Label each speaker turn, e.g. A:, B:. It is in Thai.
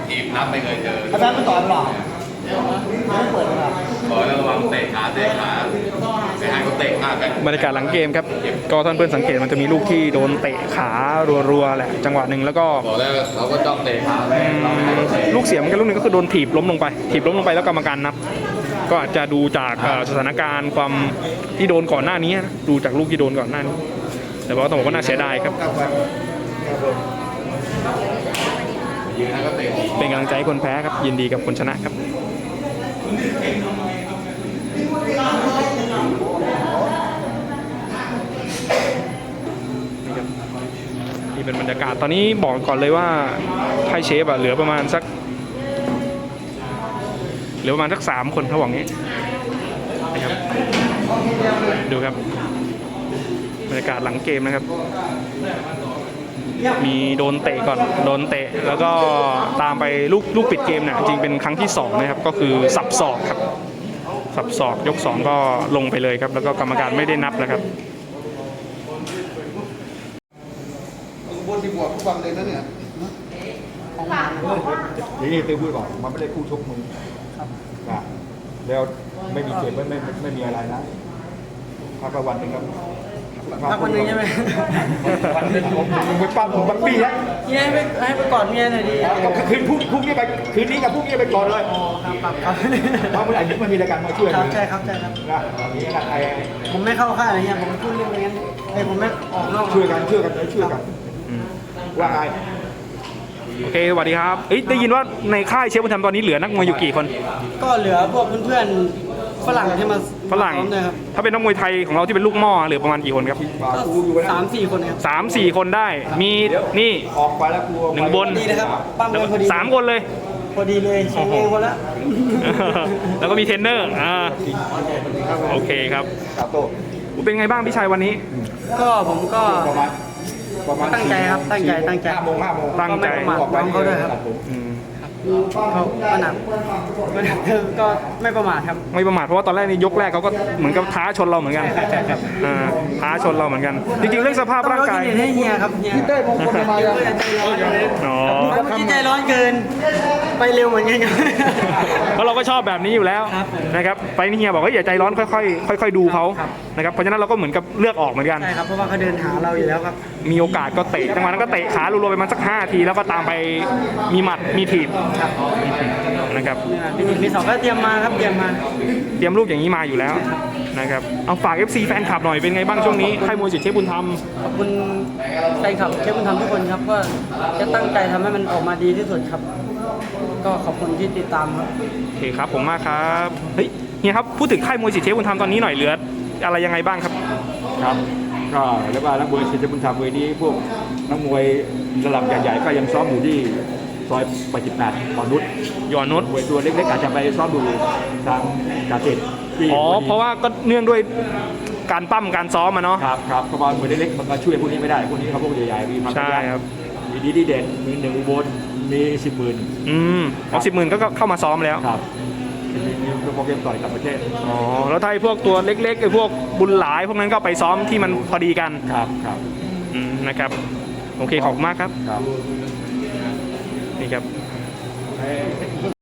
A: จีบนับไม่เคยเจอ
B: อาจารย์ไม่ต่อยหรอไม่เปิดหรอ
A: ขอระวังเตะขาไปให้เขาเตะมากกัน
C: บรรยากาศหลังเกมครับก็ท่านเพื่อนสังเกตมันจะมีลูกที่โดนเตะขารัวๆแหละจังหวะหนึ่งแล้วก็
A: บอกแล้วเขาก็จ้องเตะขาไปเราไม่ให้เขาเตะ
C: ลูกเสียเหมือนกันลูกหนึงก็คือโดนถีบล้มลงไปแล้วกรรมการนับก็อาจจะดูจากสถานการณ์ความที่โดนก่อนหน้านี้นะดูจากลูกที่โดนก่อนหน้านี้แต่ว่าต้องบอกว่าน่าเสียดายครับ
A: ยืนแล้วก็เตะ
C: เป็นกำลังใจให้คนแพ้ครับยินดีกับคนชนะครับนี่เป็นบรรยากาศตอนนี้บอกก่อนเลยว่าไพ่เชฟเหลือประมาณสัก3 คนเขาบอกงี้นะครับดูครับบรรยากาศหลังเกมนะครับมีโดนเตะก่อนโดนเตะแล้วก็ตามไปลูกปิดเกมเนี่ยจริงเป็นครั้งที่2นะครับก็คือสับศอกครับสับศอกยก2ก็ลงไปเลยครับแล้วก็กรรมการไม่ได้นับนะครับ
B: บนที่บวกทุกวันเลยนะเนี่ย
D: นี่ตีพูดก่อนมันไม่ได้คู่ชกมึงครับแล้วไม่มีเจ็บไม่มีอะไรนะพักวันหนึ่งครับ
B: พักวันหนึ่งใช่ไหม
D: วันนึงผมไปปั้มผมบังปี้แล้ว
B: เมียให้ไปกอดเมียหน่อยดิ
D: กับคืนพรุ่งนี้ไปคืนนี้กับพรุ่งนี้ไปก่อนเลย
B: ครับ
D: เพราะเมื่อไหร่นี้มันมีรายการมาช่วย
B: ครับใช่ครับนะ
D: นี่นะไอ้
B: ผมไม่เข้าค่ายอะไรเงี้ยผมพูดเรื่องงั้นผมไม่ออกนอก
D: ช่วยกันว่าไง
C: โอเคสวัสดีครับได้ยินว่าในค่ายเชฟบุญธรรมตอนนี้เหลือนักมวยอยู่กี่คน
B: ก็เหลือพวกเพื่อนๆฝรั่งที่มา
C: ฝรั่งถ้าเป็นนักมวยไทยของเราที่เป็นลูกหม้อเหลือประมาณกี่คนครับ
B: 3-4 คนครับ
C: 3-4 คนได้มีนี่
D: ออกไปแล้วครู
C: 1 บน
B: ดีนะครับปั้มพอดี
C: 3 คนเลย
B: พอดีเลย2 เองคนละ
C: แล้วก็มีเทรนเนอร์โอเคครับเป็นไงบ้างพี่ชัยวันนี้
B: ก็ผมก็ตั้งใจครับตั้งใจ
C: ตั้งใจ
B: เขาด้วยครับเขาก็หนักก็ไม่ประมาทครับ
C: ไม่ประมาทเพราะว่าตอนแรกนี่ยกแรกเขาก็เหมือนกับท้าชนเราเหมือนกันท้าชนเราเหมือนกันจริงๆเรื่องสภาพร่างกาย
B: ให้เฮียครับเฮียได้มงคลมาแล้วใจร้อนเกินไปเร็วเหมือนกัน
C: เพราะเราก็ชอบแบบนี้อยู่แล้วนะครับไปนี่เฮียบอกว่าอย่าใจร้อนค่อยๆดูเขานะครับเพราะฉะนั้นเราก็เหมือนกับเลือกออกเหมือนกัน
B: ใช่ครับเพราะว่าเขาเดินหาเราอยู่แล้วครับ
C: มีโอกาสก็เตะจังหวะนั้นก็เตะขารัวๆไปมาสัก5 ทีแล้วก็ตามไปมีหมัดมีถีบนะครับ
B: มี2ก็เตรียมมาครับเตรียม
C: ลูกอย่างนี้มาอยู่แล้วนะครับเอาฝาก FC แฟนคลับหน่อยเป็นไงบ้างช่วงนี้ค่ายมวยสิทธิ์เชฟบุญธรรม
B: ขอบคุณแฟนคลับเชฟบุญธรรมทุกคนครับก็จะตั้งใจทำให้มันออกมาดีที่สุดครับก็ขอบคุณที่ติดตามครับ
C: โอเคครับผมมากครับเฮ้ยเฮียครับพูดถึงค่ายมวยสิทธิ์เชฟบุญธรรมตอนนี้หน่อยเหลืออะไรยังไงบ้างครับ
D: ครับก็เรียกว่านักมวยสิทธิ์เชฟบุญธรรมเวทีพวกนักมวยระดับใหญ่ๆก็ยังซ้อมอยู่ที่ซอย88อ่อนนุชมวยตัวเล็กๆอาจจะไปซ้อมดูทางกาเกต
C: เพราะว่าก็เนื่องด้วยการปั้มการซ้อมมาเนาะ
D: ครับเพราะว่ามวยเล็กๆมันก็ช่วยพวกนี้ไม่ได้พวกนี้เขาพวกใหญ่ๆมีความ
C: ใช่ครับ
D: มีดีเด่นมี1 อุบลมี
C: 10,000 10,000ก็เข้ามาซ้อมแล้ว
D: ครับมีโปรแกรมต่อยต่างประเทศ
C: แล้วถ้าพวกตัวเล็กๆไอ้พวกบุญหลายพวกนั้นก็ไปซ้อมที่มันพอดีกัน
D: ครับ
C: นะครับโอเคขอบคุณมากครับนี่ครับ